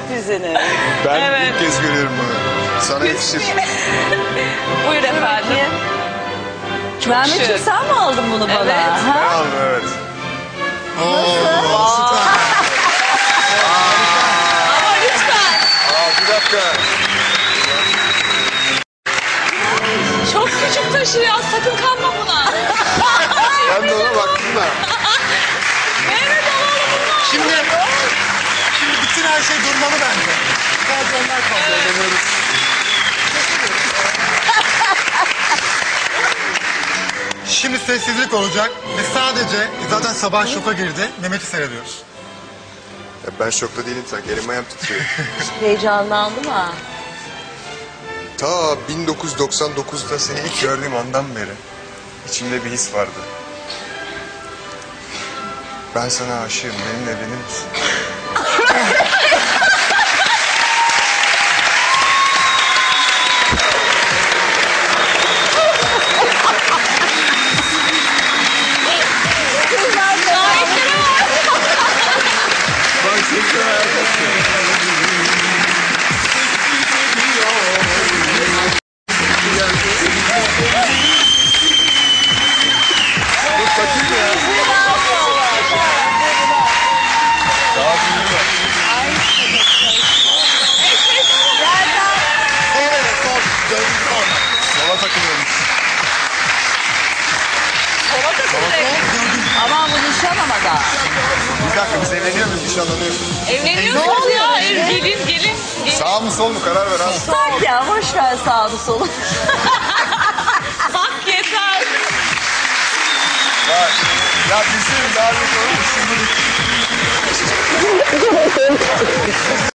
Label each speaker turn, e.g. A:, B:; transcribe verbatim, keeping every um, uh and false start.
A: sürprizini.
B: Ben
C: Evet.
B: ilk kez görüyorum bunu. Sana yakışır.
C: Buyur efendim.
A: Mehmetciğim
C: şık.
A: sen mi aldın bunu bana?
C: Evet.
B: Ben
A: Ha?
B: aldım evet.
C: Ama lütfen.
B: Aa bir dakika.
C: Çok küçük taşıyor. Sakın kanma buna.
B: Ben de ona baktım da.
C: Mehmet alalım bunu.
D: Şimdi, şimdi bütün her şey durmalı bence. Sadece onlar kaldı.
B: Eğleniyoruz.
D: Şimdi sessizlik olacak ve sadece zaten sabah şoka girdi. Mehmet'i seyrediyoruz.
B: Ya ben şokta değilim sanki. Elim ayağım titriyor.
A: Heyecanlandım ha.
B: Ta bin dokuz yüz doksan dokuzda seni ilk gördüğüm andan beri içimde bir his vardı. Ben sana aşığım. Benimle evlenir misin? Bak sesle Dur takayım ya. Daha büyüğü var.
D: Sol evet, sol. Gördüm sol.
B: Sola takılıyorum.
C: Sola takılacak.
A: Aman bu nişan ama da.
B: Bir dakika biz evleniyor muyuz? Nişanlanıyoruz.
C: Evleniyorsunuz ya. Ev- Gelin gelin. gelin.
B: Sağ mı sol mu karar ver abi.
A: Tak ya boş ver sağını solu.
C: Bak yeter.
B: Bak. Ya bizim daha büyük olur mu? Şimdi